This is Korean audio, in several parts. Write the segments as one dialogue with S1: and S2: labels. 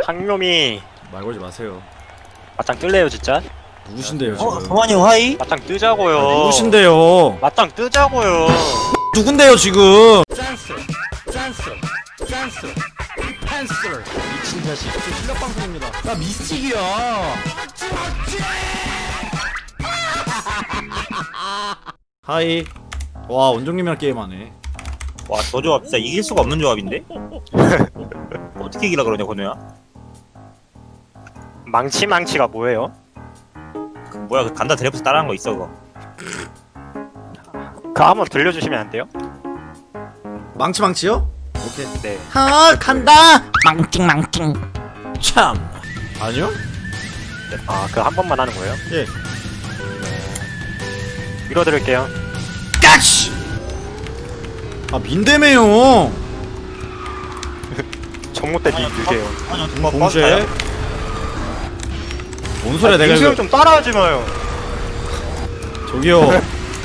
S1: 상놈이
S2: 말 걸지 마세요.
S1: 맞짱 뜰래요 진짜?
S2: 누구신데요 지금?
S3: 성환이 형 하이?
S1: 맞짱 뜨자고요.
S2: 누구신데요?
S1: 맞짱 뜨자고요.
S2: 누군데요 지금?
S4: 짠스 펜슬 미친 자식 저 실력 방송입니다. 나 미스틱이야.
S2: 하이. 와 원종님이랑 게임하네.
S3: 와, 저 조합 진짜 이길 수가 없는 조합인데? 어떻게 이기라 그러냐, 건우야?
S1: 망치가 뭐예요?
S3: 뭐야, 그 간다 드래프트 따라한 거 있어, 그거.
S1: 그거 한번 들려주시면 안 돼요?
S2: 망치요? 오케이.
S1: 네.
S2: 간다.
S4: 망찡
S2: 참. 아니요?
S1: 아 그거 한 번만 하는 거예요?
S2: 예.
S1: 밀어드릴게요.
S2: 까치. 아 민대매요.
S1: 정모 때 밀게요.
S3: 아니요, 정말
S2: 봉쇄. 뭔 소리야 내가
S1: 민수형
S2: 이거.
S1: 좀 따라하지 마요.
S2: 저기요.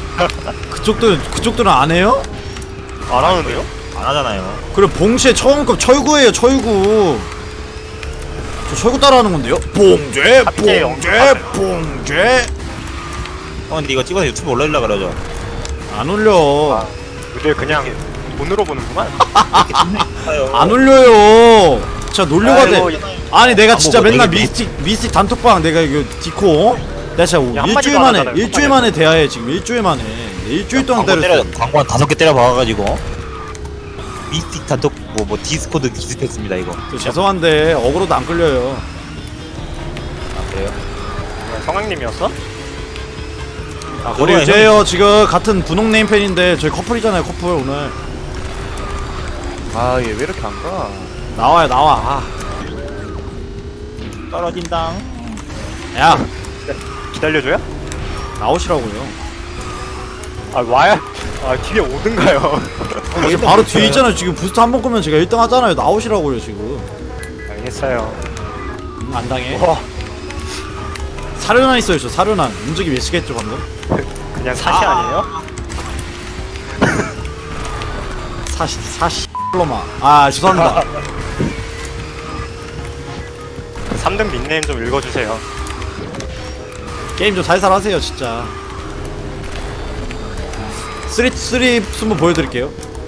S2: 그쪽들은 안 해요?
S1: 안 하는데요?
S3: 안 하잖아요.
S2: 그래 봉쇄 처음급 철구예요 철구. 저 철구 따라하는 건데요? 봉쇄 봉쇄.
S3: 형, 근데 이거 찍어서 유튜브 올리려고 그러죠?
S2: 안 올려.
S1: 우리 그냥 돈으로 보는구만.
S2: 안 올려요. 진짜 놀려가 돼.
S1: 아이고,
S2: 아니 내가 진짜
S3: 뭐
S2: 맨날
S3: 되게
S2: 미스틱 단톡방 내가 이거 디코 내가 진짜
S1: 야, 한마디도
S2: 일주일
S1: 안
S2: 만에
S1: 하잖아요,
S2: 일주일 만에 대화해 지금 일주일 만에 일주일 동안 때렸어.
S3: 광고 한 5개 때려 박아가지고. 미스틱 단톡, 뭐 디스코드 기습했습니다, 이거.
S2: 저 죄송한데 어그로도 안 끌려요.
S3: 아, 그래요?
S1: 성황님이었어?
S2: 아 우리 이제요 지금 같은 분홍 네임펜인데 저희 커플이잖아요 커플 오늘.
S4: 아 얘 왜 이렇게 안 가?
S2: 나와요 나와.
S3: 떨어진당.
S2: 야
S1: 기다려줘요?
S2: 나오시라고요.
S1: 아 와야. 아 뒤에 오든가요.
S2: 여기 바로 뒤에 있잖아요 지금 부스트 한 번 끄면 제가 1등 하잖아요. 나오시라고요 지금.
S1: 알겠어요.
S2: 안 당해.
S1: 와
S2: 사륜안 있어요 저 사륜안. 움직이 몇 시겠죠 방금?
S1: 그냥 사시 아니에요?
S2: 사시 로마. 아 죄송합니다.
S1: 3등 닉네임 좀 읽어주세요.
S2: 게임 좀 살살 하세요 진짜. 쓰리 숨번 보여드릴게요.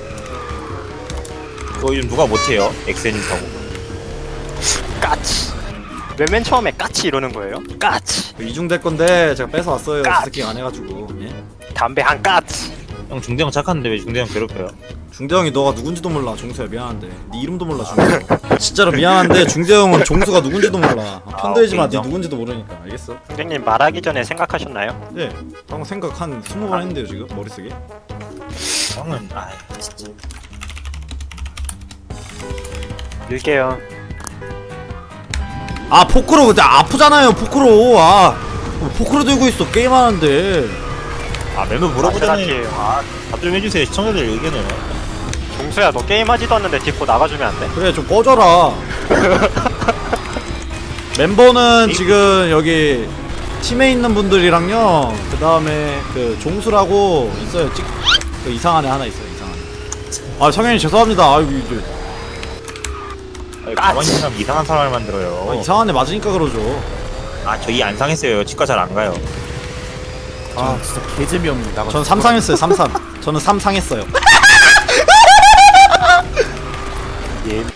S3: 그거 요즘 누가 못해요? 엑센이 타고.
S1: 까치. 왜 맨 처음에 까치 이러는 거예요? 까치.
S2: 이중될 건데 제가 뺏어왔어요.
S1: 까!
S2: 스킹 안 해가지고. 예?
S1: 담배 한 까치.
S3: 형, 중대형 착한데 왜 중대형 괴롭혀요?
S2: 중대형이 너가 누군지도 몰라. 종수야 미안한데 네 이름도 몰라 종수. 진짜로 미안한데 중대형은 종수가 누군지도 몰라. 편들지 마. 네
S3: 인정.
S2: 누군지도 모르니까. 알겠어?
S1: 선생님 말하기 전에 생각하셨나요?
S2: 예. 방금 생각 한 20번 했는데요 지금 머릿속에.
S3: 형은, 아 진짜.
S1: 밀게요.
S2: 아 포크로 근데 아프잖아요 포크로. 아 포크로 들고 있어 게임하는데.
S3: 아, 멤버 물어보잖아요.
S1: 생각해요.
S3: 아, 답 좀 해주세요. 시청자들 의견을.
S1: 종수야 너 게임하지도 않는데 뒷고 나가주면 안 돼?
S2: 그래 좀 꺼져라. 멤버는 지금 여기 팀에 있는 분들이랑요. 그 다음에 그 종수라고 있어요. 그 이상한 애 하나 있어요. 이상한 애. 아 성현이 죄송합니다. 아이고 이제
S3: 가만히 있는 사람 이상한 사람을 만들어요.
S2: 이상한 애 맞으니까 그러죠.
S3: 아, 저 이 안 상했어요. 치과 잘 안 가요.
S4: 아 진짜 개재미없는 나가.
S2: 전 3상했어요. 3상. 저는 3상했어요.
S1: 예.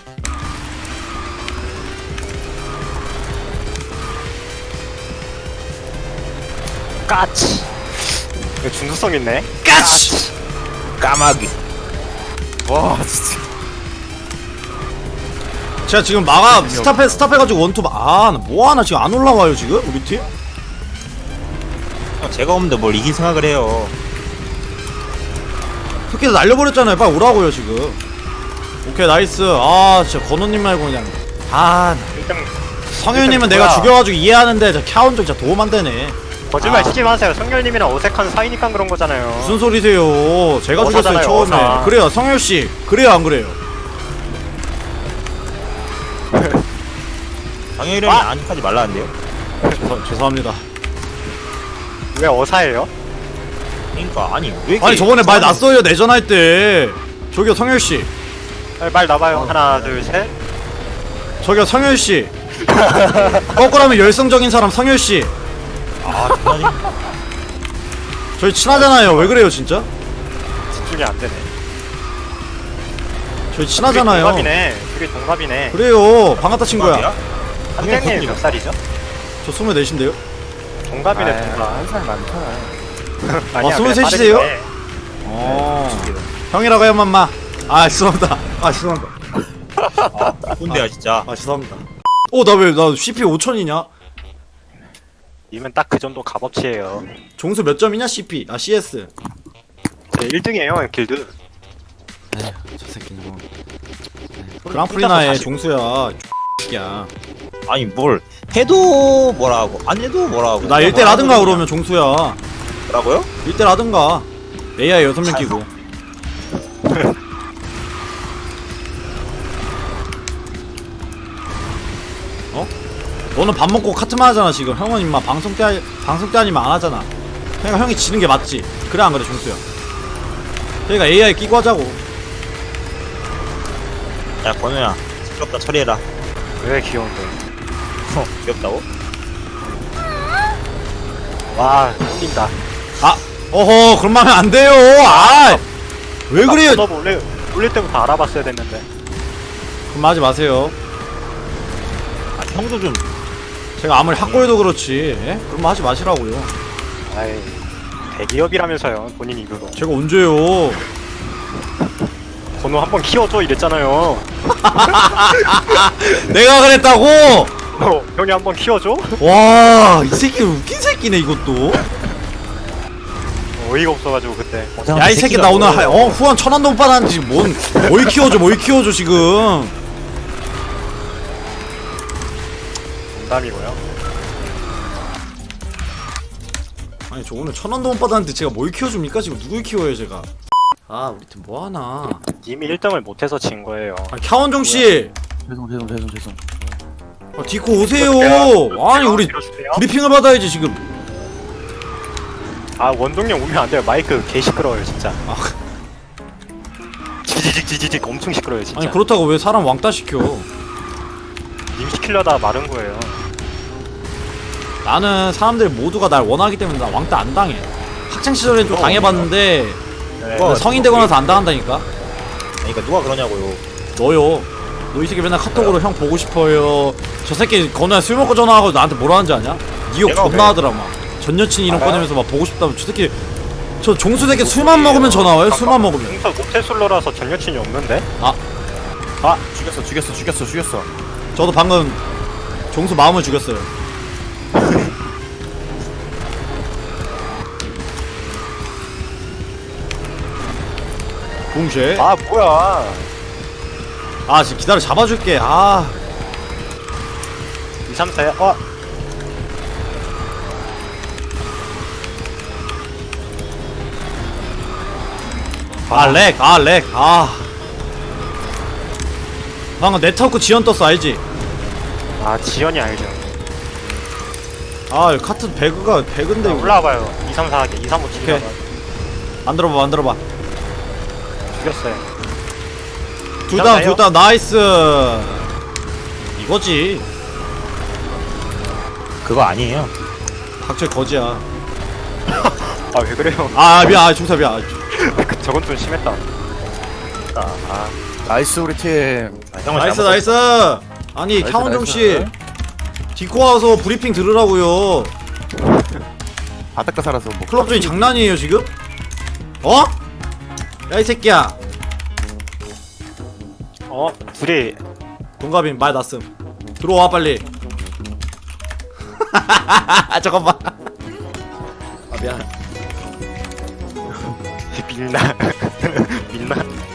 S1: 까치. 이거 중수성 있네.
S2: 까치.
S3: 까마귀.
S4: 와 진짜.
S2: 제가 지금 스탑해가지고 원투 나 뭐하나 지금 안 올라와요 지금 우리 팀?
S3: 제가 없는데 뭘 이길 생각을 해요.
S2: 특히 날려버렸잖아요. 빨리 오라고요 지금. 오케이 나이스. 아 진짜 건우님 말고 그냥 아
S1: 1등
S2: 성현님은 내가
S1: 뭐야?
S2: 죽여가지고 이해하는데 저 캬운적 진짜 도움 안 되네.
S1: 거짓말
S2: 아.
S1: 치지 마세요. 성열님이랑 어색한 사이니까 그런 거잖아요.
S2: 무슨 소리세요? 제가 죽였어요
S1: 어사잖아요,
S2: 처음에.
S1: 어사.
S2: 그래요 성현씨. 그래요 안 그래요?
S3: 방영이름이
S1: 아!
S3: 아직까지 말라는데요?
S2: 죄송합니다.
S1: 왜 어사예요?
S3: 그러니까 아니 왜 이렇게
S2: 아니 저번에 말
S3: 사람이-
S2: 났어요 내전할 때. 저기요 성현씨.
S1: 말 나봐요. 하나 둘 셋.
S2: 저기요 성열씨 거꾸라면 열성적인 사람 성열씨
S3: 아 장난이.
S2: 저희 친하잖아요 왜 그래요 진짜?
S1: 집중이 안 되네.
S2: 저희 친하잖아요
S1: 동갑이네. 그게 동갑이네.
S2: 그래요 반갑다 친구야
S1: 선생님 몇 살이죠?
S2: 저 24인데요?
S1: 동갑이네 동갑.
S4: 한살 많잖아.
S1: 아니야,
S2: 23
S1: 그래,
S2: 이세요?
S1: 빠르네.
S2: 형이라고 해요 맘마 아 죄송합니다 아 죄송합니다
S3: 꼰대야 진짜.
S2: 아 죄송합니다 나 왜 나 CP 5000이냐?
S1: 이면 딱 그 정도 값어치예요.
S2: 종수 몇 점이냐 CP 아 CS
S1: 제 1등이에요 길드.
S2: 저 새끼는 그랑프리나의 종수야 야
S3: 아니 뭘 해도 뭐라고 안 해도 뭐라고.
S2: 나 1대 라든가 그러면 종수야
S3: 뭐라고요?
S2: 1대 라든가 AI 6명 끼고 어? 너는 밥 먹고 카트만 하잖아 지금 형은 임마 방송 때 아니면 안 하잖아 그러니까 형이 지는 게 맞지 그래 안 그래 종수야 그러니까 AI 끼고 하자고
S3: 야 권우야 시끄럽다 처리해라.
S1: 왜 귀여운데?
S3: 귀엽다고?
S1: 와 꿀린다.
S2: 아 어허 그런 말 하면 안 돼요 왜 그래요
S1: 너 원래 올릴 때부터 알아봤어야 됐는데.
S2: 그럼 하지 마세요
S3: 아 형도 좀.
S2: 제가 아무리 학고해도 그렇지 예? 그런 말 하지 마시라고요
S1: 아이 대기업이라면서요 본인 입으로.
S2: 제가 언제요
S1: 번호 한번 키워줘 이랬잖아요.
S2: 내가 그랬다고?
S1: 형이 한번 키워줘?
S2: 와, 이 새끼 웃긴 새끼네 이것도.
S1: 어이가 없어가지고 그때.
S2: 야, 이 새끼 나 오늘 후원 1000원도 못 받았는지 뭘 키워줘 지금.
S1: 농담이고요.
S2: 아니 저 오늘 1000원도 못 받았는데 제가 뭘 키워줍니까? 지금 누굴 키워요 제가? 아, 우리 팀 뭐 하나?
S1: 이미 1등을 못해서 진 거예요.
S2: 아, 캬원종 씨,
S4: 죄송.
S2: 디코 오세요. 아니 우리
S1: 밀어주세요.
S2: 브리핑을 받아야지 지금.
S1: 아 원동력 오면 안 돼요. 마이크 개 시끄러워요 진짜.
S2: 아,
S1: 지지직 엄청 시끄러워요 진짜.
S2: 아니 그렇다고 왜 사람 왕따 시켜?
S1: 님 시키려다 마른 거예요.
S2: 나는 사람들 모두가 날 원하기 때문에 나 왕따 안 당해. 학창 시절엔 좀 당해봤는데
S1: 네.
S2: 성인 되고 나서 안 당한다니까.
S3: 그러니까 누가 그러냐고요.
S2: 너요. 너 이 새끼 맨날 카톡으로 형 보고 싶어요. 저 새끼 건우야 술 먹고 전화하고 나한테 뭐라 하는지 아냐? 니 욕
S3: 내가
S2: 존나
S3: 왜?
S2: 하더라 막. 전 여친 이름
S1: 알아요?
S2: 꺼내면서 막 보고 싶다면 저 새끼 저 종수 새끼 술만 먹으면 전화 와요? 술만 먹으면.
S1: 동서 모태솔로라서 전 여친이 없는데?
S4: 죽였어.
S2: 저도 방금 종수 마음을 죽였어요. 붕쉐.
S1: 아 뭐야?
S2: 아 지금 기다려 잡아줄게. 아
S1: 2, 3, 4야?
S2: 렉. 방금 네트워크 지연 떴어 알지?
S1: 아 지연이 알죠.
S2: 아 카트 배그인데 이거.
S1: 올라와봐요. 2, 3, 4 하게. 2, 3, 5, 7
S2: 오케이. 만들어봐.
S1: 죽였어요.
S2: 둘 다 나이스. 이거지.
S3: 그거 아니에요.
S2: 닥쳐 거지야.
S1: 아 왜 그래요?
S2: 아 미안, 중사 미안.
S1: 저건 좀 심했다.
S4: 나이스 우리 팀.
S3: 형은
S2: 나이스
S3: 잘못
S2: 나이스. 아니
S4: 나이스,
S2: 캬원정
S4: 나이스.
S2: 씨, 디코 와서 브리핑 들으라고요.
S4: 바닷가 살아서 뭐
S2: 클럽 중이 장난이에요 지금? 어? 야 이 새끼야.
S1: 둘이
S2: 동갑인 말 났음. 들어와 빨리. 아 잠깐만. 아 미안.
S1: 밀나 밀나.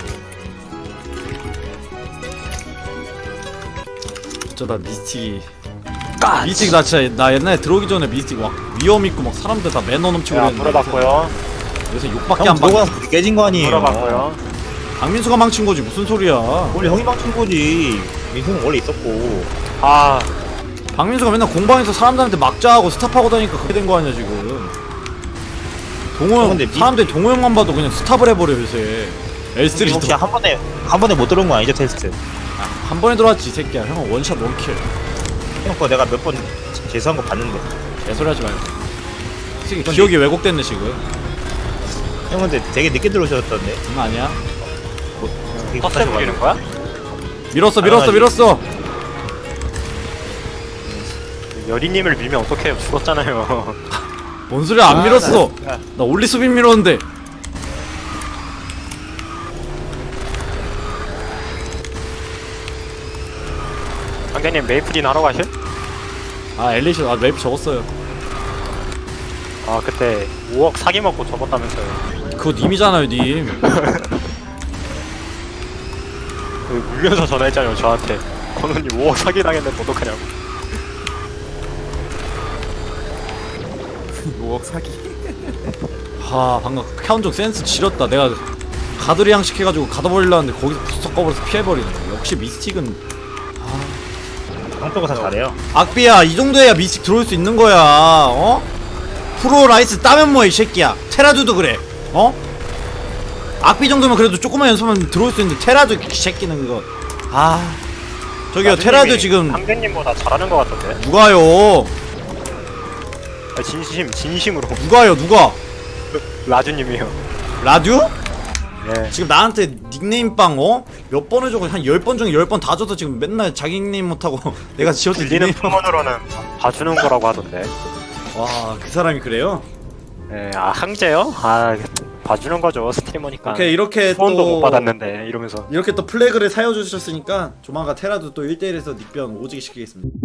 S2: 어쩌다 미스틱이. 미스틱 나 진짜 나 옛날에 들어오기 전에 미스틱 막 위험 있고 막 사람들 다 매너 넘치고
S1: 야
S2: 그랬는데
S1: 물어봤고요.
S2: 요새 욕밖에
S3: 형
S2: 안 받.
S3: 들어가서 그게 깨진 거 아니에요.
S1: 물어봤고요.
S2: 강민수가 망친 거지 무슨 소리야.
S3: 원래 형이 망친 거지. 민수는 원래 있었고.
S1: 아
S2: 박민수가 맨날 공방에서 사람들한테 막자하고 스탑하고 다니까 그렇게 된 거 아니야 지금. 동호 형
S3: 근데
S2: 사람들이 동호 형만 봐도 그냥 스탑을 해버려 요새. L3도.
S3: 혹시 한 번에 못 들어온 거 아니죠 테스트?
S2: 한 번에 들어왔지 이 새끼야. 형은 원샷 원킬.
S3: 형 거 내가 몇 번 재수한 거 봤는데.
S2: 개소리 하지 말고. 이 새끼 기억이 왜곡됐네 지금.
S3: 형 근데 되게 늦게 들어오셨던데.
S2: 장난 아니야?
S3: 되게
S1: 텃세 부리는 거야?
S2: 밀었어
S3: 당연하지.
S2: 밀었어.
S1: 여리님을 밀면 어떡해요? 죽었잖아요.
S2: 뭔 소리야 안 밀었어. 나 올리 수빈 밀었는데.
S1: 강대님 메이플인 하러 가실?
S2: 아 엘리시 아 맵 적었어요.
S1: 아 그때 5억 사기 먹고 접었다면서요.
S2: 그거 님이잖아요 님.
S1: 그 울면서 전화했잖아요 저한테. 건우님 5억 사기 당했는데 어떡하냐고.
S4: 5억 사기.
S2: 하 방금 카운종 센스 지렸다. 내가 가드리 양식 해가지고 가둬버리려 했는데 거기서 부스터 꺼버려서 피해버리네. 역시 미스틱은
S3: 형표가 다 잘해요.
S2: 악비야 이 정도야 미스틱 들어올 수 있는 거야. 어? 프로 라이스 따면 뭐해 이 새끼야. 테라두도 그래. 어? 악비 정도면 그래도 조금만 연습하면 들어올 수 있는데 테라두 이 새끼는 그거. 아 저기요 테라두 지금
S1: 강대님보다 잘하는 것 같던데.
S2: 누가요?
S1: 아, 진심으로.
S2: 누가요 누가?
S1: 라주님이요.
S2: 라듀?
S1: 네.
S2: 지금 나한테 닉네임 빵 어? 몇 번을 줘고 한 10번 중에 10번 다 줘서 지금 맨날 자기 닉네임 못하고 내가 지었을
S1: 들리는
S2: 닉네임.
S1: 풍문으로는 봐주는 거라고 하던데.
S2: 와그 사람이 그래요?
S1: 네, 아 항제요? 아 봐주는 거죠 스트리머니까.
S2: 오케이 이렇게
S1: 후원도
S2: 또
S1: 못 받았는데 이러면서.
S2: 이렇게 또 플래그를 사여주셨으니까 조만간 테라도 또 1대1에서 닉변 오지게 시키겠습니다.